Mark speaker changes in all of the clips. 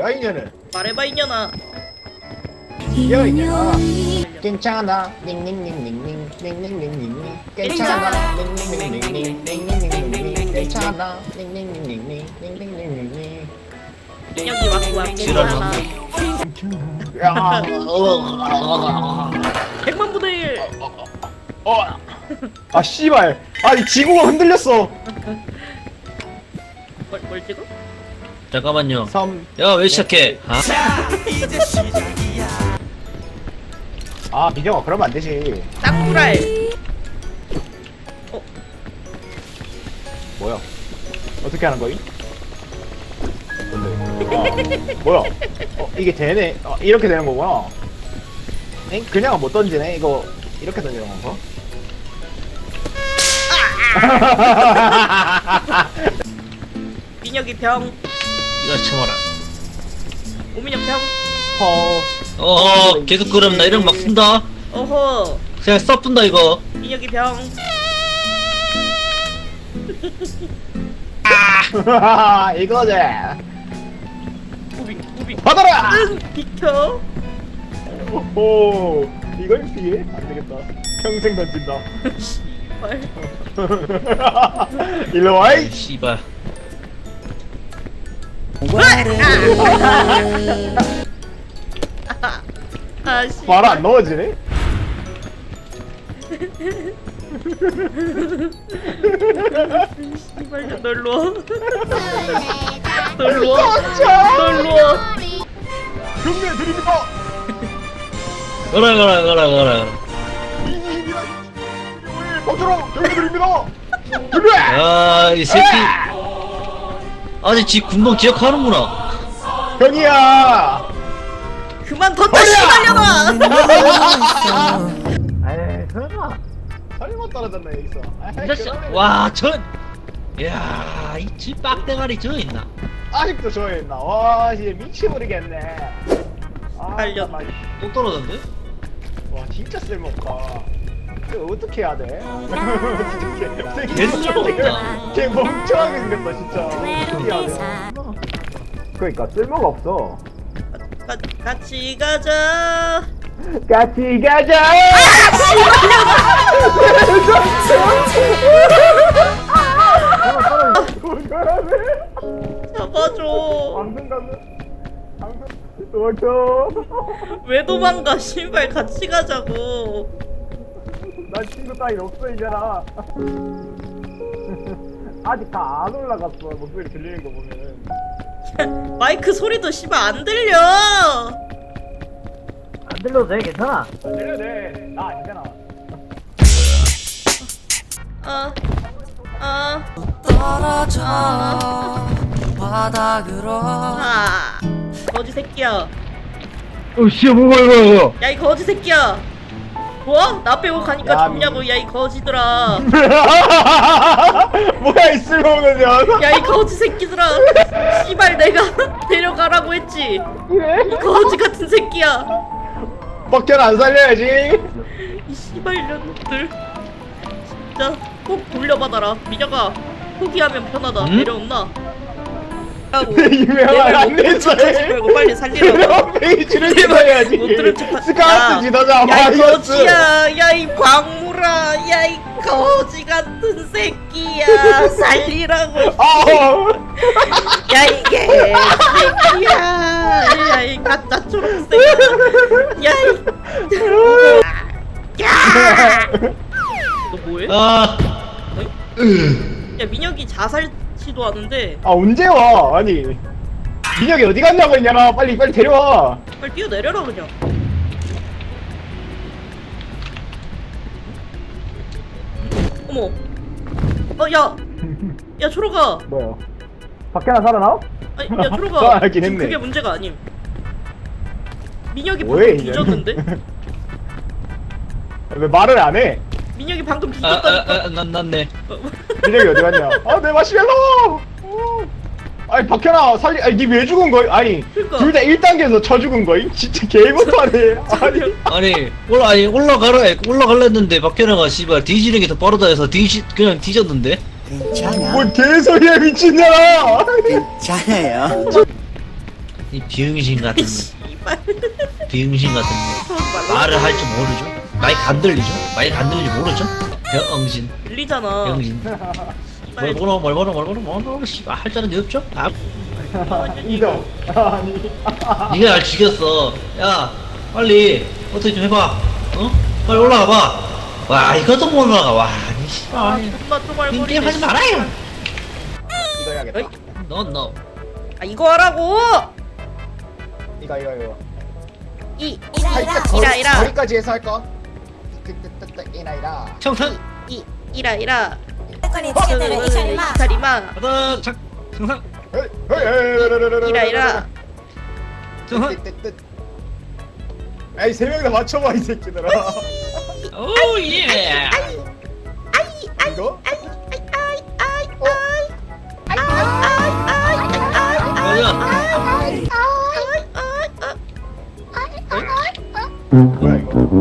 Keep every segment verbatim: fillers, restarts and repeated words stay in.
Speaker 1: 말해봐 이년은.
Speaker 2: 말해봐 이년아.
Speaker 1: 야 이년아. 괜찮아. 닝닝닝닝닝 닝닝닝닝 괜찮아. 닝닝닝닝닝 괜찮아. 닝닝닝닝 닝닝닝닝.
Speaker 2: 민혁이 왔고 왔 괜찮아.
Speaker 1: 야.
Speaker 2: 백만 분의 일.
Speaker 1: 어. 아 씨발. 아니 지구가 흔들렸어.
Speaker 2: 뭘, 뭘 찍어?
Speaker 3: 잠깐만요.
Speaker 1: 섬.
Speaker 3: 야, 왜 시작해? 아?
Speaker 1: 아 민혁아 그러면 안 되지.
Speaker 2: 땅굴알. 어?
Speaker 1: 뭐야? 어떻게 하는 거임? 원래. 아, 뭐야? 어 이게 되네. 어, 이렇게 되는 거구나. 엥? 그냥 못 던지네. 이거 이렇게 던지는 건가?
Speaker 2: 민혁이 병.
Speaker 3: 이거 참아라.
Speaker 2: 오민혁 병.
Speaker 1: 허.
Speaker 3: 어, 계속 그러면 나 이런 거 막 쓴다.
Speaker 2: 어허.
Speaker 3: 그냥 써뿐다 이거.
Speaker 2: 민혁이 병.
Speaker 1: 이거지.
Speaker 2: 우빙 우빙.
Speaker 1: 받아라.
Speaker 2: 응 비켜.
Speaker 1: 오. 이걸 피해? 안 되겠다. 평생 던진다.
Speaker 2: 씨발.
Speaker 1: 일로 와이.
Speaker 3: 씨발.
Speaker 2: 아 씨.
Speaker 1: 말 안 넣어지네?
Speaker 2: 씨발 널 놓아. 널 놓아. 널 놓아.
Speaker 1: 경례 드립니다.
Speaker 3: 그래 그래 그래 그래.
Speaker 1: 이입니다. 버텨라. 경례 드립니다. 경례.
Speaker 3: 야, 이 새끼. 아직 지 군복 기억하는구나.
Speaker 1: 경이야.
Speaker 2: 그만 던져 씨발려놔.
Speaker 1: 에이 설마. 설마 떨어졌나 여기서. 에이,
Speaker 3: 저 씨,
Speaker 1: 그러면
Speaker 3: 와, 저. 야, 이 집 빡대가리 저 있나?
Speaker 1: 아직도 저에 있나? 와 진짜 미쳐버리겠네. 아,
Speaker 2: 빨려.
Speaker 1: 정말.
Speaker 3: 또 떨어졌네?
Speaker 1: 와 진짜 쓸모없다. 이거 어떻게 해야 돼?
Speaker 3: 계속 쓸모없다.
Speaker 1: 걔 멍청하게 생겼다 진짜. 어떻게 해야 돼? 그러니까 쓸모가 없어.
Speaker 2: 가, 같이 가자.
Speaker 1: 같이 가자.
Speaker 2: 잡아줘.
Speaker 1: 방금 가면 방금 도와줘.
Speaker 2: 왜 도망가? 신발 같이 가자고.
Speaker 1: 나 친구 따윈 없어 이제라. 아직 다 안 올라갔어 목소리 들리는 거 보면은.
Speaker 2: 마이크 소리도 씨발 안 들려.
Speaker 4: 안 들려도 돼, 괜찮아.
Speaker 1: 안 들려 돼나 아니잖아.
Speaker 2: 아, 아,
Speaker 5: 떨어져 바닥으로
Speaker 2: 아. 거지 새끼야.
Speaker 3: 어, 씨, 뭐야, 이거, 이거.
Speaker 2: 야 이 거지 새끼야. 뭐? 나 빼고 가니까
Speaker 1: 야,
Speaker 2: 좋냐고. 야 이 거지들아.
Speaker 1: 뭐야 이 쓸모없는 년.
Speaker 2: 야 이 거지 새끼들아. 씨발 내가 데려가라고 했지.
Speaker 1: 그래?
Speaker 2: 이 거지 같은 새끼야.
Speaker 1: 먹견 안 살려야지.
Speaker 2: 이 씨발 년들. 진짜 꼭 돌려받아라. 민혁아 포기하면 편하다.
Speaker 3: 응?
Speaker 2: 내려온나? 라고.
Speaker 1: 유명한 안내서에
Speaker 2: 말고 빨리 살리라고.
Speaker 1: 그런 페이지를 찍어야지.
Speaker 2: 못 들은 척하-
Speaker 1: 스카우트
Speaker 2: 야,
Speaker 1: 지도자
Speaker 2: 야 이
Speaker 1: 마이어스.
Speaker 2: 거지야. 야 이 광물아. 야 이 거지 같은 새끼야. 살리라고.
Speaker 1: 아우.
Speaker 2: 야 이게 새끼야. 야 이 가짜 초록색. 야이. 야. 너 뭐해?
Speaker 3: 아,
Speaker 2: 야 민혁이 자살 시도하는데
Speaker 1: 아 언제 와? 아니 민혁이 어디 갔냐고 했냐나. 빨리 빨리 데려와.
Speaker 2: 빨리 뛰어내려라 그냥. 어머. 어야. 야 초록아.
Speaker 1: 뭐야? 밖에나 살아나?
Speaker 2: 아니 야 초록아.
Speaker 1: 살아나긴
Speaker 2: 지금
Speaker 1: 했네.
Speaker 2: 그게 문제가 아님. 민혁이
Speaker 1: 뭐해,
Speaker 2: 방금
Speaker 1: 이제?
Speaker 2: 뒤졌는데?
Speaker 1: 왜 말을 안 해?
Speaker 2: 민혁이 방금
Speaker 3: 아,
Speaker 2: 뒤졌다니까.
Speaker 3: 아, 아, 난, 났네.
Speaker 1: 민혁이 어디 갔냐? 아 내 마시멜로. 어. 아니 박현아 살리. 아니 니 왜 죽은 거임? 아니
Speaker 2: 그러니까.
Speaker 1: 둘 다 일 단계에서 쳐 죽은 거임? 진짜 개못하네. 아니
Speaker 3: 아니, 올라, 아니, 올라가라, 올라갈랬는데, 박현아가 씨발, 뒤지는 게 더 빠르다 해서, 뒤지, 그냥 뒤졌는데?
Speaker 5: 괜찮아
Speaker 1: 뭔 개소리야 미친년아.
Speaker 5: 괜찮아요
Speaker 3: 이 비응신 같은 거.
Speaker 2: 씨발.
Speaker 3: 비응신 같은 거. 말을 할 줄 모르죠? 마이크 안 들리죠? 마이크 안 들리지 모르죠? 병신.
Speaker 2: 들리잖아.
Speaker 3: 병신. 뭘 보노 뭘 보노 뭘 보노 뭘 보노 씨발 할 줄은 없죠? 아,
Speaker 1: 이동. 아니.
Speaker 3: 니가 날 죽였어. 야 빨리 어떻게 좀 해봐. 어? 빨리 올라가봐. 와 이것도 못 올라가. 와 이 씨발.
Speaker 2: 아, 존나 쪼말
Speaker 3: 님
Speaker 2: 거리네.
Speaker 3: 게임 하지 말아요.
Speaker 1: 이거 해야겠다.
Speaker 2: 어이?
Speaker 3: 넌 너.
Speaker 2: 아, 이거 하라고!
Speaker 1: 이거 이거 이거.
Speaker 2: 이,
Speaker 1: 살짝
Speaker 2: 이라,
Speaker 1: 거리,
Speaker 2: 이라.
Speaker 1: 거리까지 해서 할까? 뜨뜨뜨뜨 이라 이라.
Speaker 3: 청산.
Speaker 2: 이, 이라, 이라.
Speaker 4: ここにつけてる一緒にまあ
Speaker 2: 이타리마.
Speaker 3: 가다 작. 청산.
Speaker 2: 이라, 이라.
Speaker 3: 청산.
Speaker 1: 뜨뜨뜨. 에이 세 명 다 맞춰봐 이 새끼들아.
Speaker 3: 오 예.
Speaker 1: 이거?
Speaker 3: 맞아.
Speaker 1: 뭐야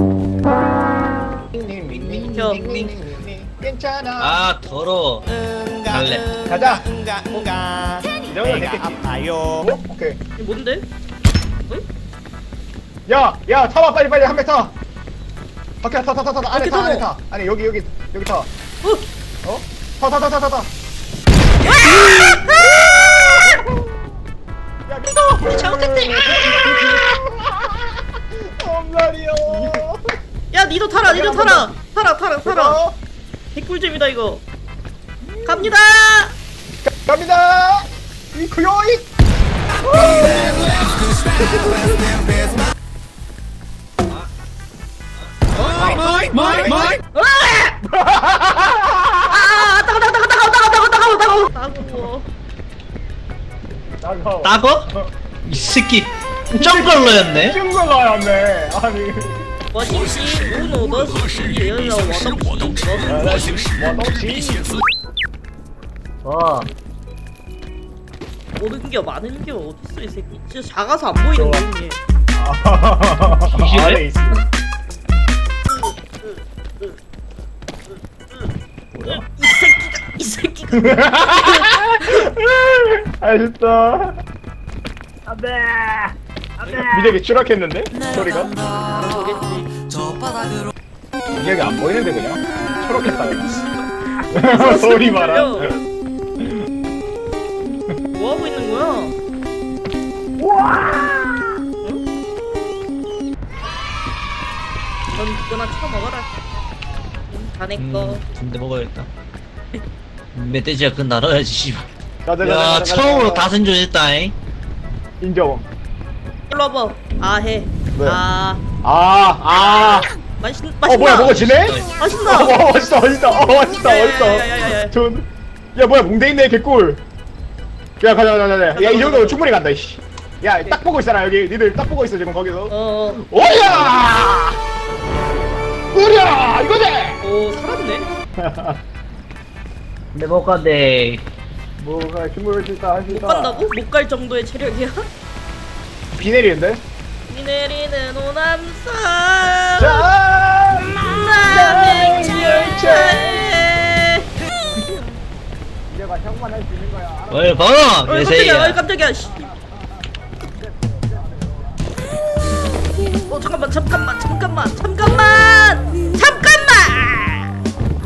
Speaker 1: 이거?
Speaker 2: 켜.
Speaker 1: 괜찮아.
Speaker 3: 아 더러. 갈래.
Speaker 1: 가자. 이 정도 됐겠지. 어? 오케이.
Speaker 2: 이거 뭔데?
Speaker 1: 야, 야, 타봐 빨리 빨리 한 명 타. 밖에 타, 타, 타, 타, 타. 안에
Speaker 2: 어떻게
Speaker 1: 타, 안에
Speaker 2: 타고?
Speaker 1: 타. 아니 여기 여기 여기 타.
Speaker 2: 어?
Speaker 1: 어? 타, 타, 타, 타, 타, 타. 야, 미쳐.
Speaker 2: 잘못했대.
Speaker 1: 엄살이요.
Speaker 2: 야, 니도 타라, 니도 타라. 타라, 타라, 타라.
Speaker 1: 어?
Speaker 2: 개꿀잼이다, 이거. 갑니다!
Speaker 1: 갑니다. 이쿠요이.
Speaker 2: 아, 따가워, 따가워, 따가워, 따가워, 따가워, 따가워, 따가워.
Speaker 1: 나가.
Speaker 3: 따고? 이 새끼 쩡걸로였네.
Speaker 1: 친구가 왔네. 아니.
Speaker 2: 我信息无努的死，也有我的皮，我的皮。
Speaker 1: 와.
Speaker 2: 모든 게 많은 게 어딨어 이 새끼. 진짜 작아서 안 보이는 거야 이게.
Speaker 1: 아래 있어.
Speaker 3: 뭐야?
Speaker 2: 이 새끼가 이 새끼가.
Speaker 1: 아쉽다. 안돼. 안돼. 미적이 추락했는데 소리가?
Speaker 2: 모르겠지.
Speaker 1: 미적이 안 보이는데 그냥 추락했다 그냥. 소리 봐라.
Speaker 2: 뭐 하고 있는 거야? 넌 그거나 쳐먹어라. 다 내 거.
Speaker 3: 음, 군대 먹어야겠다. 멧돼지야 그건 날아야지 씨발.
Speaker 1: 가자, 가자,
Speaker 3: 야
Speaker 1: 가자, 가자,
Speaker 3: 처음으로
Speaker 1: 가자.
Speaker 3: 다 생존했다잉.
Speaker 1: 인정.
Speaker 2: 일로 와봐. 아 해.
Speaker 1: 왜?
Speaker 2: 아
Speaker 1: 아, 아.
Speaker 2: 맛있
Speaker 1: 어
Speaker 2: 맛있다.
Speaker 1: 뭐야 뭐가 지네?
Speaker 2: 맛있다.
Speaker 1: 어 맛있다 맛있다. 어 맛있다
Speaker 2: 야야야야야야.
Speaker 1: 맛있다. 좋은. 야 뭐야 뭉대 있네 개꿀. 야 가자 가자 가자. 야 이 정도면 충분히 간다 이씨. 야 딱 보고 있어라 여기. 니들 딱 보고 있어 지금 거기서.
Speaker 2: 어. 어.
Speaker 1: 오야! 오야! 이거지!
Speaker 2: 오 살았네.
Speaker 3: 근데 못 간대.
Speaker 1: 뭐가 충분히 할수 있다 할수
Speaker 2: 못
Speaker 1: 있다.
Speaker 2: 간다고? 못 갈 정도의 체력이야?
Speaker 1: 비 내리는데?
Speaker 2: 비 내리는 오남산.
Speaker 1: 자!
Speaker 2: 나는 열차에.
Speaker 1: 이제가 형만 할 수 있는 거야.
Speaker 3: 뭘 봐?
Speaker 2: 어이 깜짝이야. 어이
Speaker 3: 개새끼야.
Speaker 2: 깜짝이야. 씨. 어 잠깐만 잠깐만 잠깐만 잠깐만 잠깐만.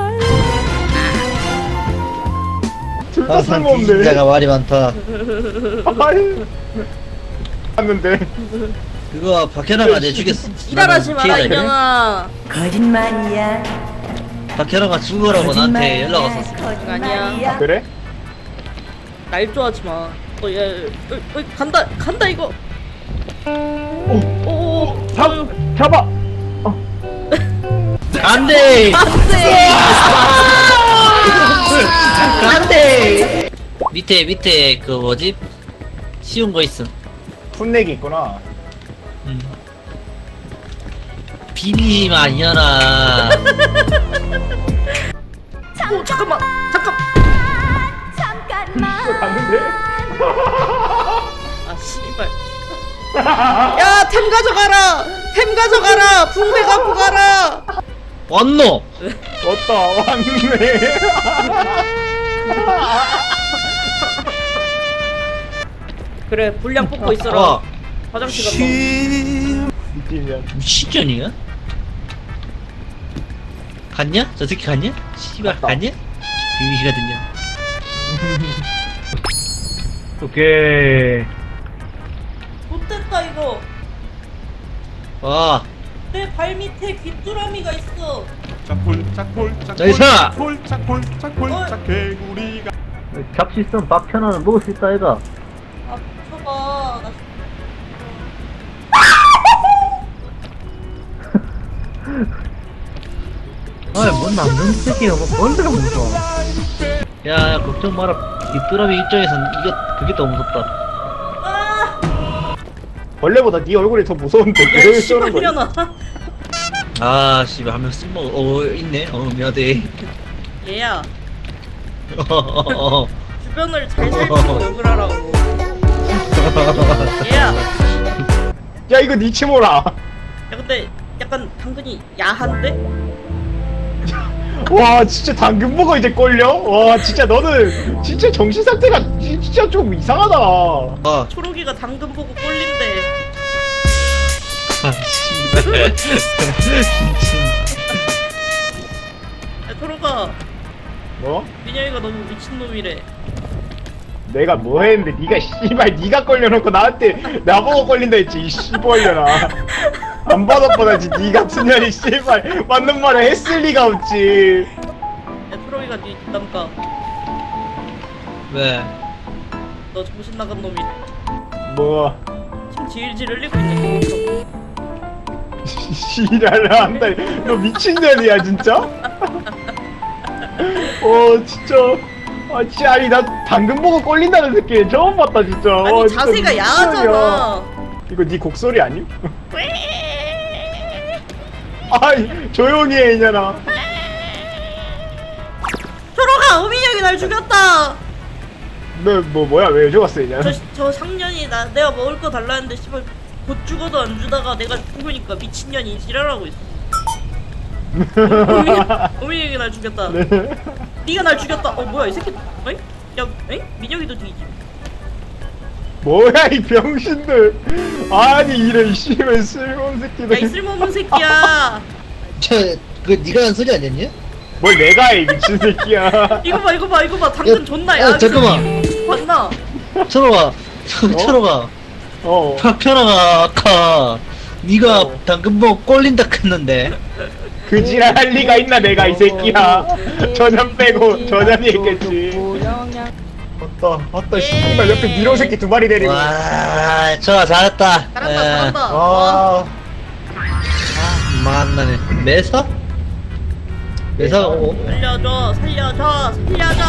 Speaker 1: 둘다
Speaker 3: 항상
Speaker 1: 쓸모없네.
Speaker 3: 뒤진자가 말이 많다.
Speaker 1: 아이. 봤는데.
Speaker 3: 그거 박현아가 내 죽였어.
Speaker 2: 지랄하지 마라
Speaker 3: 나는
Speaker 2: 이년아.
Speaker 4: 거짓말이야.
Speaker 3: 박현아가 죽으라고 나한테 연락 왔었어.
Speaker 2: 아니야.
Speaker 1: 그래?
Speaker 2: 날 좋아하지 마. 어, 야, 야, 어, 어, 간다, 간다 이거.
Speaker 1: 오,
Speaker 2: 오, 오,
Speaker 1: 잡, 잡아.
Speaker 3: 안돼.
Speaker 2: 안돼.
Speaker 3: 안돼. 밑에 밑에 그 뭐지? 쉬운 거 있음.
Speaker 1: 풋내기 있구나.
Speaker 3: 음. 비비지 마 이년아.
Speaker 2: 오, 잠깐만, 잠깐.
Speaker 4: 잠깐만.
Speaker 1: 갔는데?
Speaker 2: 아, 씨발. 야, 템 가져가라. 템 가져가라. 붕대 갖고 가라.
Speaker 3: 왔노.
Speaker 1: 왔다, 왔네.
Speaker 2: 그래 분량 뽑고 있어라.
Speaker 3: 어.
Speaker 2: 화장실 갔다.
Speaker 1: 미친년.
Speaker 3: 미친년이야? 갔냐? 저 새끼 갔냐? 씨발
Speaker 1: 갔다.
Speaker 3: 갔냐? 비비시 같은 년.
Speaker 1: 오케이.
Speaker 2: 못됐다 이거.
Speaker 3: 와.
Speaker 2: 내 발 밑에 귀뚜라미가 있어.
Speaker 5: 짝골 짝골 짝골
Speaker 3: 자, 이사!
Speaker 5: 짝골 짝골 짝골
Speaker 2: 어.
Speaker 5: 짝 개구리가
Speaker 6: 잡시성 박편아는 먹을 수 있다 아이가.
Speaker 2: 아 쳐봐. 나
Speaker 6: 아이 뭔 남는 새끼야 뭐 뭔데가 무서워.
Speaker 3: 야, 야 걱정 마라. 뒷뚜라미 입장에선 이게 그게 더 무섭다.
Speaker 2: 아!
Speaker 1: 벌레보다 네 얼굴이 더 무서운데
Speaker 2: 야
Speaker 1: 그걸
Speaker 2: 씨발
Speaker 1: 쏘는 거야.
Speaker 2: 이려나.
Speaker 3: 아 씨발 하면 쓸모가 어 있네. 어 미안해.
Speaker 2: 얘야
Speaker 3: 어어어.
Speaker 2: 주변을 잘 살피고 욕을 하라고. 얘야.
Speaker 1: 야 이거 니 치모라.
Speaker 2: 야 근데 약간 당근이 야한데?
Speaker 1: 와 진짜 당근 먹어 이제 꼴려? 와 진짜 너는 진짜 정신 상태가 진짜 좀 이상하다.
Speaker 3: 아,
Speaker 2: 초록이가 당근 보고 꼴린대.
Speaker 3: 아 씨발. 미친.
Speaker 2: 야 초록아
Speaker 1: 뭐?
Speaker 2: 민영이가 너무 미친놈이래.
Speaker 1: 내가 뭐 했는데 니가 씨발 니가 걸려놓고 나한테 나보고 걸린다 했지 이 씨발려나. 안 받아보다지 니 같은 년이 씨발 맞는 말을 했을 리가 없지.
Speaker 2: 야 초록이가 네 뒷담가.
Speaker 3: 왜?
Speaker 2: 너 정신 나간 놈이래.
Speaker 1: 뭐
Speaker 2: 지금 질질 흘리고 있는 거.
Speaker 1: 씨랄을 한다. 너 미친년이야 진짜? 어 진짜. 아 진짜 아니 나 당근 보고 꼴린다는 새끼 처음 봤다 진짜.
Speaker 2: 아니
Speaker 1: 와, 진짜
Speaker 2: 자세가
Speaker 1: 미친년이야.
Speaker 2: 야하잖아.
Speaker 1: 이거 네 곡소리 아님? 아이 조용히 해 이년아.
Speaker 2: 초록아 오민영이 날 죽였다.
Speaker 1: 너뭐 뭐야 왜 죽었어 이년?
Speaker 2: 저, 저 상년이 나 내가 먹을 거 달라 했는데 씨발 곧 죽어도 안 주다가 내가 죽으니까 미친년이 지랄하고 있어. 오민- 오민영이 날 죽였다.
Speaker 1: 네.
Speaker 2: 네가 날 죽였다. 어 뭐야 이 새끼? 엥? 야, 엥? 민혁이도 뒤지.
Speaker 1: 뭐야 이 병신들. 아니 이런 씨발 쓸모없는 새끼들.
Speaker 2: 야 이 쓸모없는 새끼야.
Speaker 3: 저그 네가 한 소리 아니었냐?
Speaker 1: 뭘 내가 해 이 미친 새끼야.
Speaker 2: 이거 봐 이거 봐 이거 봐 당근
Speaker 3: 야,
Speaker 2: 존나
Speaker 3: 야,
Speaker 2: 야.
Speaker 3: 잠깐만.
Speaker 2: 봤나?
Speaker 3: 철호가, 철호가,
Speaker 1: 어.
Speaker 3: 박편아가 아까 네가
Speaker 1: 어.
Speaker 3: 당근 먹 꼴린다 했는데.
Speaker 1: 그 지랄 할 리가 있나 내가 이 새끼야. 전현 빼고 전현이 했겠지. 맞다 맞다 씨발 옆에 미로 새끼 두 마리 데리고.
Speaker 3: 와, 철아 잘했다.
Speaker 2: 잘한다
Speaker 3: 예.
Speaker 2: 잘한다. 와.
Speaker 1: 아
Speaker 3: 만나네. 매사? 매사? 어?
Speaker 2: 살려줘 살려줘 살려줘.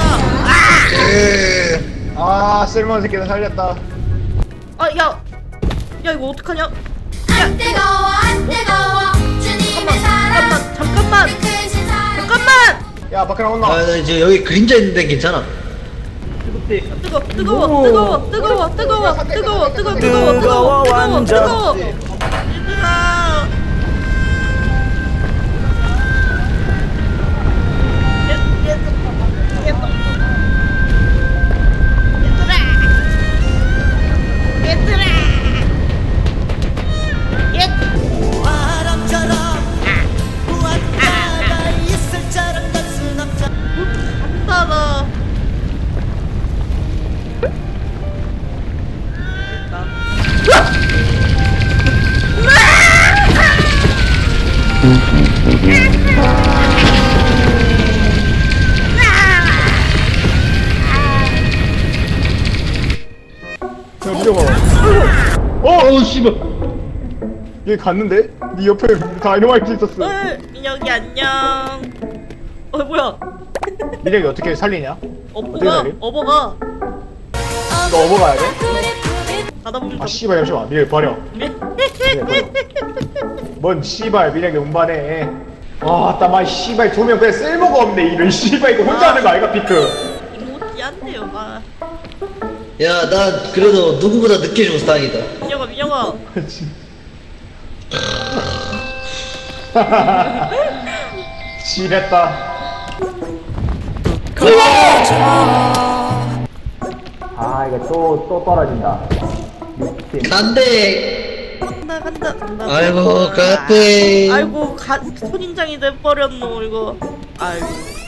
Speaker 1: 아 쓸모없는 새끼들 살렸다.
Speaker 2: 아야야 이거 어떡하냐?
Speaker 4: 안 뜨거워 안 뜨거워 주님의 사랑
Speaker 2: 잠깐만 잠깐만
Speaker 4: 크신 사랑
Speaker 2: 잠깐만.
Speaker 1: 야 밖에 나온나.
Speaker 3: 아, 나 지금 여기 그림자 있는데 괜찮아.
Speaker 2: 뜨거 뜨거워 뜨거워 뜨거워 뜨거워 뜨거워 뜨거워 뜨거워 뜨거워 뜨거워 뜨거워 뜨거워 얘들아 얘- 얘- 얘- 얘들아 얘들아 얘 간다나
Speaker 1: 야 미정아. 어?
Speaker 3: 어우, 씨발.
Speaker 1: 얘 갔는데? 네 옆에 다이너마이트 있었어.
Speaker 2: 어, 민혁이 안녕. 어 뭐야?
Speaker 1: 미정이 어떻게 살리냐? 어떻게
Speaker 2: 어버가
Speaker 1: 살림?
Speaker 2: 어버가
Speaker 1: 너 업어가야 돼?
Speaker 2: 가다 보면
Speaker 1: 아 씨발 잠시만 미래 버려. 미래 버려. 뭔 씨발 미래게 운반해. 아 따마 씨발 두 명 그냥 쓸모가 없네 이런 씨발 이거 혼자 하는 거 아이가 피크.
Speaker 2: 이모지 한대요. 아
Speaker 3: 야, 난 그래도 누구보다 늦게 죽어서 다행이다.
Speaker 2: 민혁아 민혁아.
Speaker 1: 지렸다. 아 아 이거 또 또 떨어진다.
Speaker 3: 안돼.
Speaker 2: 간다 간다 간다.
Speaker 3: 아이고, 가대.
Speaker 2: 아이고 가, 선인장이 돼버렸노 이거. 아이고.